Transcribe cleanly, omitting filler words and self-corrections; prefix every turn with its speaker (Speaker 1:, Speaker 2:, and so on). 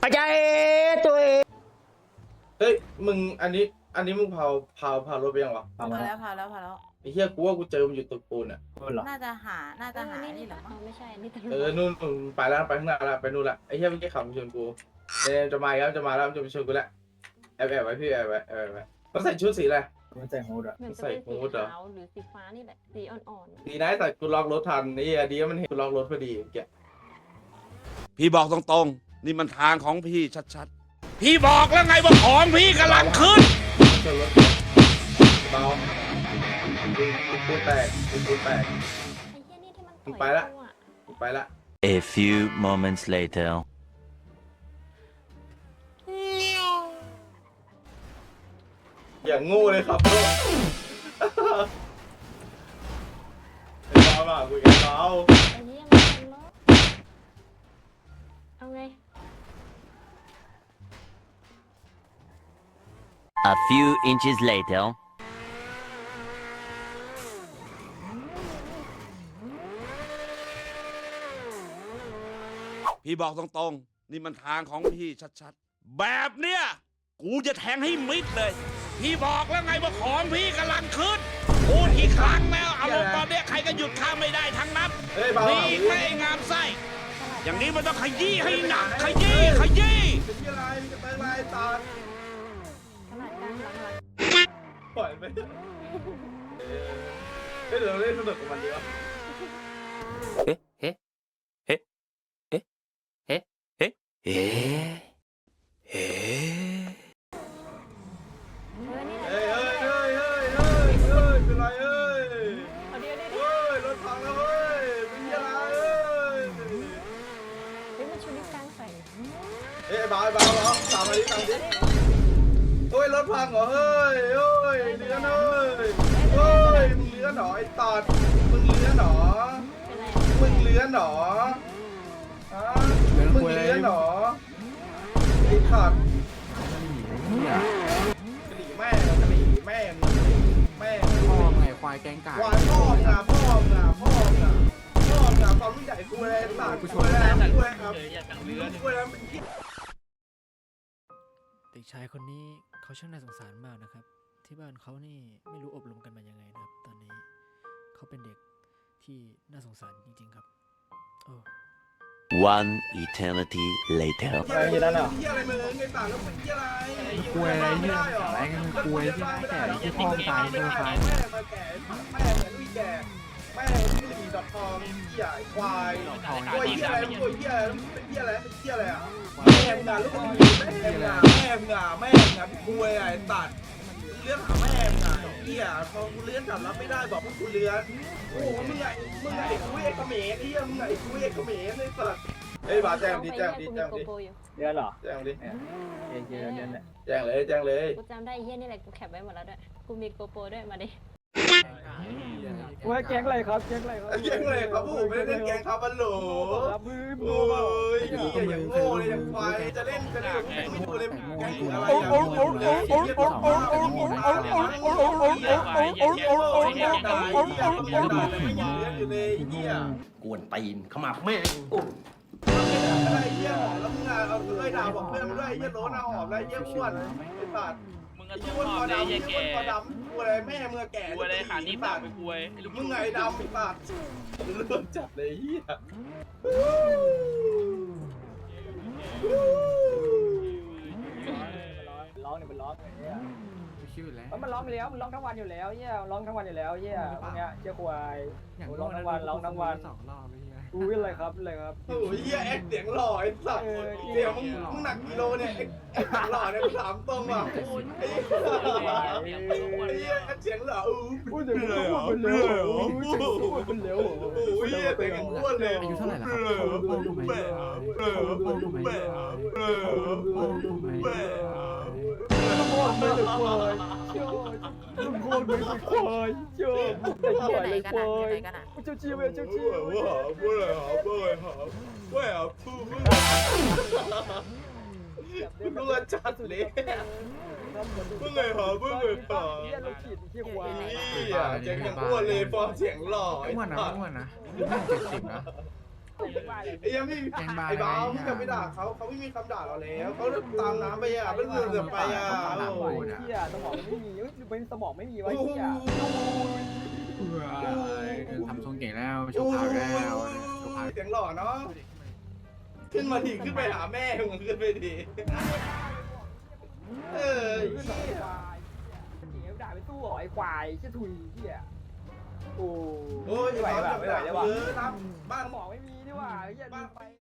Speaker 1: อาจารย์ตัวเอง
Speaker 2: เฮ้ยมึงอันนี้มึงพารถไปยังวะ
Speaker 3: พาแล้ว
Speaker 2: ไอ้เหี้ยกูว่ากูเจอมันอยู่ตึกปูนอ่ะ
Speaker 3: น่าจะหานี่เหรอมั้ง
Speaker 4: ไม่ใช่นี่ตำรวจ
Speaker 2: นู่นไปแล้วไปข้างหน้าแล้วไปนู่นละไอ้เหี้ยเมื่อกี้ขับมาชนกูเนี่ยจะมาแล้วจะมาไปชนกูแล้วแอบไว้พี่แอบไว้เขาใส่ชุดสีอะไร
Speaker 1: มันใส่ฮูดอ่ะ
Speaker 4: เหมือนจะ
Speaker 2: ใส่
Speaker 4: เป็น
Speaker 2: ฮู
Speaker 4: สี
Speaker 2: ดเหรอ
Speaker 4: ขาวหรือสีฟ้านี่แหละสีอ่อน
Speaker 2: ดีนะแต่กูล็อกรถทันไอ้เหี้ยดีว่ามันเห็นกูล็อกรถพอดีแก
Speaker 5: พี่บอกตรงๆ นี่มันทางของพี่ชัดๆ พี่บอกแล้วไงว่าของพี่กำลังขึ้น
Speaker 2: ชนรถเบาปูนแตก
Speaker 4: ๆไอ้เหี้ยนี่ที่มันต่อย
Speaker 2: ไปละ
Speaker 4: กูอะ
Speaker 2: ไปละ
Speaker 6: A few moments later.
Speaker 2: อย่างงูเลยครับพ่อเบาคุยกันเบา
Speaker 4: ไอ้เหี้ยมันเป็นรถเอาไง
Speaker 6: A few inches later.
Speaker 5: พี่บอกตรงๆ นี่มันทางของพี่ชัดๆ แบบเนี้ยกูจะแทงให้มิดเลย พี่บอกแล้วไงว่าของพี่กำลังขึ้นพูดกี่ครั้งแล้วอารมณ์ตอนเนี้ยใครก็หยุดข้ามไม่ได้ทั้งนั้น
Speaker 2: เฮ้ยเบา
Speaker 5: มีอีกไม่งามไส้ อย่างนี้มันต้องขยี้ให้หนักขยี้
Speaker 2: เป็นที่อะไรมีกระเตงลายตา
Speaker 4: ขนาดกลางหลัง
Speaker 2: ปล่อยไปเดี๋ยวเราเล่นสนุกกับมันดีวะ
Speaker 4: ๆนี่แหละ
Speaker 2: เฮ้ยเป็นไรเฮ้ย
Speaker 4: เอาเดี๋ยว
Speaker 2: เฮ้ยรถพังแล้วเฮ้ยเป็นที่อะไรเฮ้ย
Speaker 4: มันชูนิ้วกลางใส่
Speaker 2: เฮ้ยเบาตามมาดิเฮ้ยรถพังเหรอเฮ้ยเลื้อนเฮ้ยมึงเลื้อนหรอไอ้ตอดมึงเลื้อนหรอ
Speaker 4: เป็นไร
Speaker 2: มึงเลื้อนหรอมึงเลื้อนหรอไอ้ขาดกะหรี่แม่
Speaker 1: พ่อไงควายแกงกา
Speaker 2: ควายพ่อมึงความรู้ใหญ่กูเลยตากูช่วยแล้วกูเลยครับกูเลยมันคิด
Speaker 7: เด็กชายคนนี้เขาช่างน่าสงสารมากนะครับ ที่บ้านเขานี่ไม่รู้อบรมกันมายังไงนะครับ ตอนนี้เขาเป็นเด็กที่น่าสงสารจริงๆครับโอ้
Speaker 6: One eternity later.
Speaker 2: อะไรมึงไอ้ตาแล้วเป็นที่อะไร
Speaker 1: กล้วยอะไรเนี่ยอะไรกันกล้วยที่แก่ที่พ่อตายตัวตาย
Speaker 2: แม่มาแก่แม่เหมือนวิแก่แม่ที่หลีดอกทองเหี้ยควายตัวเหี้ยอะไรตัวเหี้ยเป็นเหี้ยอะไรเป็นเหี้ยอะไรอ่ะแม่มึงอ่ะลูกมึงแม่มึงอ่ะพี่กล้วยไอ้ตัดเลื่อนหาแม่มึงอ่ะเหี้ยพอกูเลื่อนกลับรับไม่ได้บอกพวกกูเลื่อนโอ้มึงไงไอ้กุ้ยไอ้เขมรเหี้ยมึงไงไอ้กุ้ยไอ้เขมรไอ้สัตว์เฮ้ยบาแจ้งดิ
Speaker 4: กูมีโกโปรอยู่
Speaker 1: เดือนเหรอ
Speaker 2: แจ้งดิ
Speaker 1: เดือนแหละ
Speaker 2: แจ้งเลย
Speaker 4: กูจำได้ไอ้เหี้ยนี่แหละกูแคปไว้หมดแล้วด้วยกูมีโกโปรด้วยมาดิ
Speaker 1: ว่าแกงอะไรครับแกงอะไรครับ
Speaker 2: แจ้งเลยครับผมไม่ได้เล่นแกงครับบัลโหล
Speaker 1: รับมือ
Speaker 2: โอ้ยอย่างโง่เลยอย่างควายจะเล่นจะเล่นไม่ดูเลยแกงอะไร
Speaker 8: กวนตีนขมับแม่ง
Speaker 2: อะไรเยี่ยหอมแล้วมึงอ่ะเอาเคยด่าบอกเพื่อนมาด้วยเยี่ยโล้นเอาหอมแล้วเยี่ยอ้วนไอ้สัตว์
Speaker 9: มึงก็
Speaker 2: ไอ้
Speaker 9: ต้
Speaker 2: อ้
Speaker 9: อ
Speaker 2: วน
Speaker 9: ง
Speaker 2: ค
Speaker 9: ม
Speaker 2: อ
Speaker 9: อบเลย
Speaker 2: ดำ
Speaker 9: ยาย
Speaker 2: ไอ้
Speaker 9: แก
Speaker 2: อ้วนคอดำกูอะไรแม่มึงแก่
Speaker 9: กลัวอะไรขานี้ปากไปกลัวไอ้ลูก
Speaker 2: มึงไงดำไอ้สัตว์เริ่มจัดเลยเฮีย
Speaker 1: ร้องเนี่ยมันร้องเนี่ย
Speaker 7: ชิวแล้ว
Speaker 1: มันร้องไปแล้วมันร้องทั้งวันอยู่แล้วเนี่ยร้องทั้งวันอยู่แล้วเนี่ยพวกเนี้ยเจ้าควายร้องทั้งวันร้องทั้งวัน
Speaker 7: 2 รอบเลยเฮีย
Speaker 1: อุ้ยอะไรครับอะไรครับ
Speaker 2: โอ้ยเฮียแอคเสียงหล่อไอ้สัตว์เสียงมึงหนักกิโลเนี่ยแอคเสียงหล่อเนี่ยถามตรงว่ะไอ้เฮียแอคเสียงหล่ออู้
Speaker 1: อุ้ยเดี๋ยวมันอ้วนมันเร็วมันเร็ว
Speaker 2: โอ้ยเฮียแต่งอ้วนเลย
Speaker 7: อายุเท่าไหร่แล้วครับพ่อรู้ไหมพ่อรู้ไหมพ่อรู้ไหม
Speaker 1: โคตรไม่เลยควายโคตรไม่เลยควายเจ้าแต่ใหญ่เลยควายเจ้าชีวเจ้าชีว
Speaker 2: มึงจัดเลยมึงไงหอมึงไงหอ
Speaker 1: เยี่ยเราขีดที่ควาย
Speaker 2: เสียงยังอ้วนเลยฟอร์มเสียงหล่อไอ้
Speaker 7: อ้วนนะ
Speaker 2: สัตว์
Speaker 7: อ้วนนะ70นะ
Speaker 2: ไอ้ยังไม่ไอ้บ้ามึงจะไปด่าเขาไม่มีคำด่าเราแล้วเขาตามน้ำไปอ่ะเป็นเรือไปอ่ะ
Speaker 1: เฮียสมองไม่มีเป็นสมองไม่มีไว้
Speaker 2: โอ้โห
Speaker 1: เฮีย
Speaker 10: ทำทรงเก่งแล้วโชว์พาวแล้วโชว์พาว
Speaker 2: เสียงหล่อเนาะขึ้นมาดิขึ้นไปหาแม่มึงขึ้นไปดิเออ
Speaker 1: ขึ้นหน่อยควายเฮียด่าไปตู้หรอไอ้ควายเชี่ยถุยเฮียโอ้
Speaker 2: โอ้ย
Speaker 1: ไม่ไหว
Speaker 2: บ้า
Speaker 1: ว่ะไม่ไหวแล้วว่ะ
Speaker 2: รับบ้าน
Speaker 1: สมองไม่มีนี่หว่าเฮียดูไป